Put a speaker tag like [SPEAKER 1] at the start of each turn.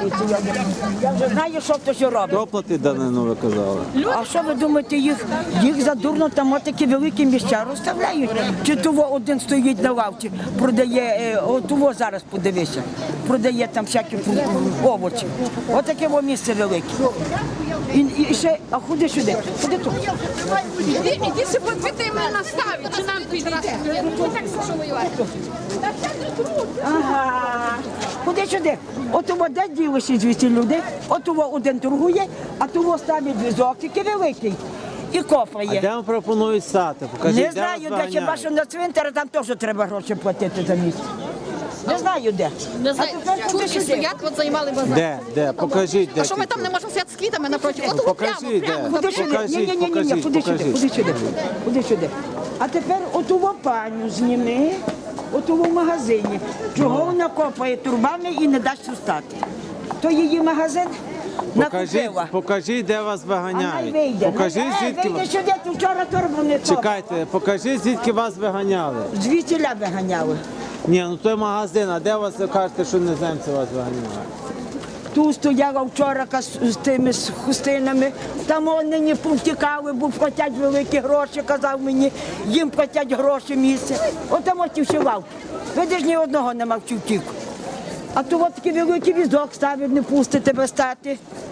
[SPEAKER 1] поліція. Я вже знаю, що хтось робить.
[SPEAKER 2] Хто платить данину, ви казали?
[SPEAKER 1] А що ви думаєте, їх задурно там такі великі місця розставляють? Чи того один стоїть на лавці, продає, того зараз подивися, продає там всякі овочі. Отаке місце велике. І ще, а ходи сюди, ходи тут.
[SPEAKER 3] Іди ще попити мене наставить, чи нам підрасти. Ми так що воювати.
[SPEAKER 1] Ага, ходи сюди. От того де ділися звідси люди, от того один торгує, а того ставить візок, тільки великий, і
[SPEAKER 2] А
[SPEAKER 1] копає.
[SPEAKER 2] де вам пропонують стати? Покажіть,
[SPEAKER 1] Не
[SPEAKER 2] де
[SPEAKER 1] знаю,
[SPEAKER 2] вас
[SPEAKER 1] де, хіба
[SPEAKER 2] виганяють?
[SPEAKER 1] що на цвинтарі, там теж треба гроші платити за місце. Не знаю де.
[SPEAKER 3] Не знаю,
[SPEAKER 1] А тепер ходи
[SPEAKER 3] чурки
[SPEAKER 1] сюди.
[SPEAKER 3] стоять, от займали базар.
[SPEAKER 2] Де? Покажіть, де.
[SPEAKER 3] А що ми там не можемо стояти з квітами напроти? От
[SPEAKER 2] Покажіть, де.
[SPEAKER 1] Ходи сюди.
[SPEAKER 2] Покажіть,
[SPEAKER 1] Ні,
[SPEAKER 2] покажіть,
[SPEAKER 1] ходи сюди,
[SPEAKER 2] покажіть.
[SPEAKER 1] ходи сюди. Ходи сюди. А тепер отого паню зніми, отого в магазині. Чого вона копає турбами і не дасть устати? То її магазин накупила.
[SPEAKER 2] Покажіть, де вас
[SPEAKER 1] А най
[SPEAKER 2] виганяють.
[SPEAKER 1] вийде.
[SPEAKER 2] Покажіть, звідки
[SPEAKER 1] Вийде
[SPEAKER 2] вас...
[SPEAKER 1] сюди, ти вчора торбу не копав.
[SPEAKER 2] Чекайте, покажіть, звідки вас виганяли.
[SPEAKER 1] Звідсіля виганяли.
[SPEAKER 2] Ні, ну той магазин, а де вас ви кажете, що іноземці вас виганяють?
[SPEAKER 1] Тут стояла вчора з тими з хустинами, там вони не повтікали, бо платять великі гроші, казав мені, їм платять гроші місце. От там ось вшивав. Видиш, ні одного нема в втік. А то от такий великий візок ставить, не пустить тебе стати.